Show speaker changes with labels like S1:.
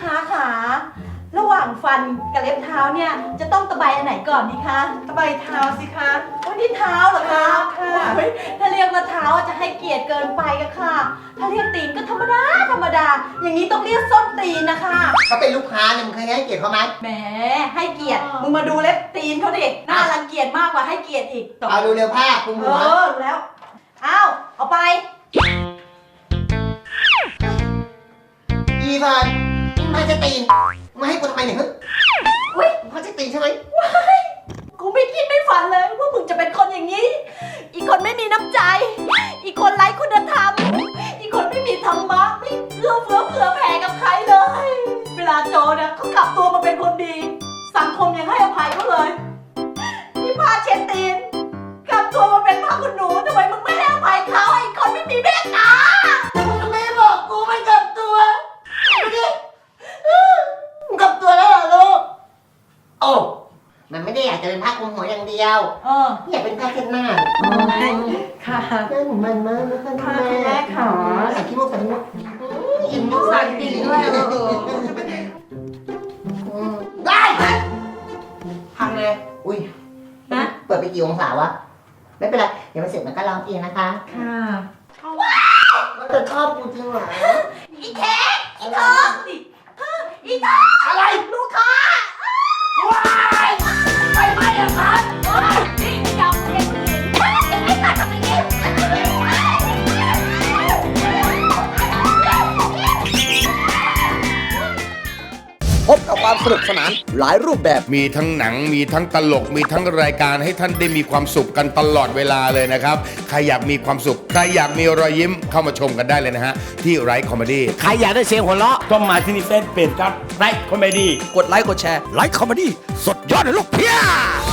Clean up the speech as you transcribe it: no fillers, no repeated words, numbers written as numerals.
S1: ค้าขาระหว่างฟันกับเล็บเท้าเนี่ยจะต้องตะไบอันไหนก่อนดีคะตะไบเท้าสิคะวันนี้เท้าเหรอคะถ้าเรียกว่าเท้าจะให้เกียรติเกินไปอะค่ะถ้าเรียกตีนก็ธรรมดาอย่างนี้ต้องเรียกส้นตีนนะคะ
S2: เขาเป็นลูกค้าเนี่ยมึงเคยให้เกียรติเขาไหม
S1: แหมให้เกียรติมึงมาดูเล็บตีนเขาดิน่ารังเกียจมากกว่าให้เกียรติอีก
S2: เอาดูเร็วผ้าคุมหัว
S1: รู้แล้วเอาไป
S2: อีฟันมาจะตีนมาให้กูทำไมเนี่ยอุ้ยมาจะตีนใช่ไหม
S1: กูไม่คิดไม่ฝันเลยว่ามึงจะเป็นคนอย่างนี้อีกคนไม่มีน้ำใจอีกคนไร้คุณธรรมอีกคนไม่มีธรรมะไม่เอื้อเฟื้อเผื่อแผ่กับใครเลยเวลาโจเนี่ยเขากลับตัวมาเป็นคนดีสังคมยังให้อภัยเขาเลยนี่พาเช็ดตีนกลับตัวมาเป็นพระคุณหนูทำไมมึงไม่ให้อภัยเขาไอ้คนไม่มีเมตตา
S2: ทำไมบอกกูไม่กลับตัวดูดิมึงกลับตัวแล้วเหรอลูกโอ้มันไม่ได้อยากจะเป็นผ้าคลุมหัวอย่างเดียวอยากเป็นผ้าเช็ดหน้า
S1: ค่ะ
S2: หน้าหนูมันมากนะคะ
S1: แม่ค่ะ
S2: ใส่ขี้มูกใส่ขี้มูกอิ่มมุก
S1: ใส่
S2: ใส่
S1: ตี
S2: ตี
S1: น
S2: น
S1: ด้วย
S2: ได้
S1: พังเลย
S2: อุ้ย
S1: นะ
S2: เปิดไปกี่องศาวะไม่เป็นไรเดี๋ยวมันเสร็จมันก็ร้องเองนะคะ
S1: ค่ะ
S2: ก็จะชอบกูจริงเหรอ
S1: อีแท็กอีทองอีทอง
S2: อะไร
S1: ลูกค้า
S2: ว้ายไปไหมอะครับ
S1: นี่จับเด็กไม่ตัดทำไมเนี่ย
S3: พบกับความสนุกสนานหลายรูปแบบ
S4: มีทั้งหนังมีทั้งตลกมีทั้งรายการให้ท่านได้มีความสุขกันตลอดเวลาเลยนะครับใครอยากมีความสุขใครอยากมีรอยยิ้มเข้ามาชมกันได้เลยนะฮะที่ไรคอมเมดี้
S3: ใครอยากได้เสียงหัวเราะ
S5: ต้องมาที่นี่เฟซเพจครับไลค์คอมเมดี้
S3: กดไลค์กดแชร์ไลค์คอมเมดี้สดยอดเลยลูกเพีย